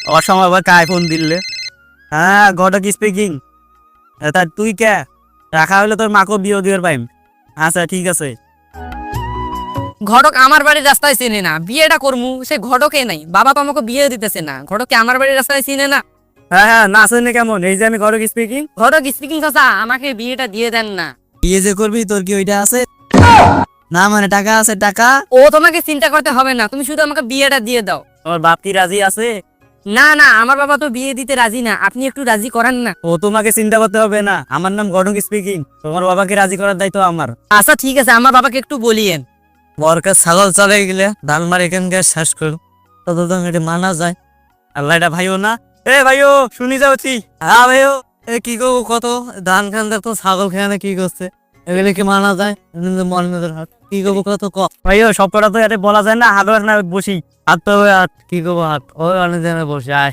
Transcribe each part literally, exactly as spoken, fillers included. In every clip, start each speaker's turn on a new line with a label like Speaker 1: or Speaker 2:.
Speaker 1: অসময় আবার কায় ফোন দিলে। হ্যাঁ ঘটক স্পিকিং। তা তুই কে রাখা হইলে তোর মাকে বিয়ে দিবার পাইম। আচ্ছা ঠিক আছে।
Speaker 2: ঘটক আমার বাড়ির রাস্তায় চিনে না, বিয়েটা করমু সে ঘটকে নাই, বাবা তো আমাকে বিয়ে দিতেছে না, ঘটকে আমার বাড়ির রাস্তায় চিনে না।
Speaker 1: হ্যাঁ হ্যাঁ না শুনে কেমন, এই যে আমি ঘটক স্পিকিং।
Speaker 2: ঘটক স্পিকিং চাচা, আমাকে বিয়েটা দিয়ে দেন না।
Speaker 1: বিয়ে যে করবি তোর কি ওইটা আছে না, মানে টাকা আছে টাকা।
Speaker 2: ও তোমাকে চিন্তা করতে হবে না, তুমি শুধু আমাকে বিয়েটা দিয়ে দাও।
Speaker 1: তোমার বাপ কি রাজি আছে?
Speaker 2: না না, আমার বাবা তো বিয়ে দিতে রাজি না, আপনি একটু রাজি করান না।
Speaker 1: ও তোমাকে চিন্তা করতে হবে না, আমার নাম ঘটক স্পিকিং, তোমার বাবাকে রাজি করার দায়িত্ব আমার।
Speaker 2: আচ্ছা ঠিক আছে, আমার বাবাকে একটু বলিয়েন।
Speaker 1: বরকার ছাগল চলে গেলে ধান মার এখানকার শেষ করুন, ততদিন এটা মানা যায়। আল্লাহ এটা ভাইও না, এ ভাইও শুনি যাচ্ছি। হ্যাঁ ভাইও, এ কি করবো কত ধান খান তো ছাগল খেয়ে কি করছে, এগুলো কি মানা যায়? মনের হাত কি করবো কত ক ভাইও, সব কটা তো এটা বলা যায় না। হাত না বসি, হাত তো হাত কি করবো, হাত ওই অনেক জায়গায় বসে আয়।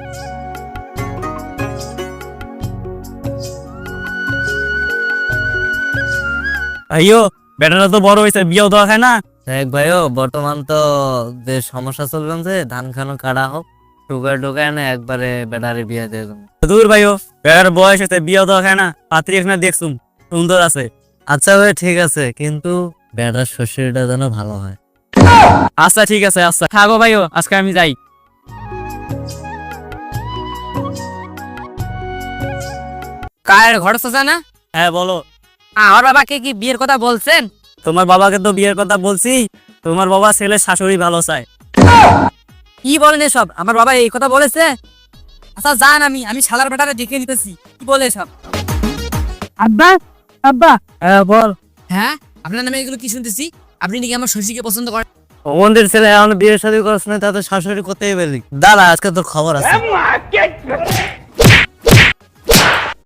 Speaker 1: ভাইও বেটারা তো বড় হয়েছে, বিয়েও দেওয়া খায় না। দেখ ভাইও, বর্তমান তো যে সমস্যা চলছে, ধান খানো কাটা হোক, সুগার ঢোকায় না একবারে বেটারে বিয়ে দিয়ে দেবো। দূর ভাইও, বেটার বয়স হয়েছে, বিয়েও দেওয়া খায় না, পাত্রী এখানে দেখছুম সুন্দর আছে। আচ্ছা ভাই ঠিক আছে, কিন্তু বেটার শ্বশুরটা যেন ভালো হয়। আচ্ছা ঠিক আছে, আচ্ছা থাকো ভাইও, আজকে আমি যাই।
Speaker 2: কার ঘটক চাচা না?
Speaker 1: হ্যাঁ বলো।
Speaker 2: আমার বাবাকে কি বিয়ের কথা বলছেন?
Speaker 1: তোমার বাবাকে তো বিয়ের কথা বলছি, তোমার বাবা ছেলে শাশুড়ি ভালো চায়।
Speaker 2: কি বলেন এসব? আমার বাবা এই কথা বলেছে? আচ্ছা যান, আমি আমি শালার বেটারে দেখে নিতেছি কি বলে সব। আব্বা আব্বা।
Speaker 1: হ্যাঁ বল।
Speaker 2: হ্যাঁ, আপনার নামে এগুলো কি শুনতেছি? আপনি নাকি আমার শশীকে পছন্দ করেন?
Speaker 1: ওদের ছেলে এখন বিয়ের শাদী করছ না, তাদের শাশুড়ি করতেই পারি। দাদা আজকে তোর খবর আছে।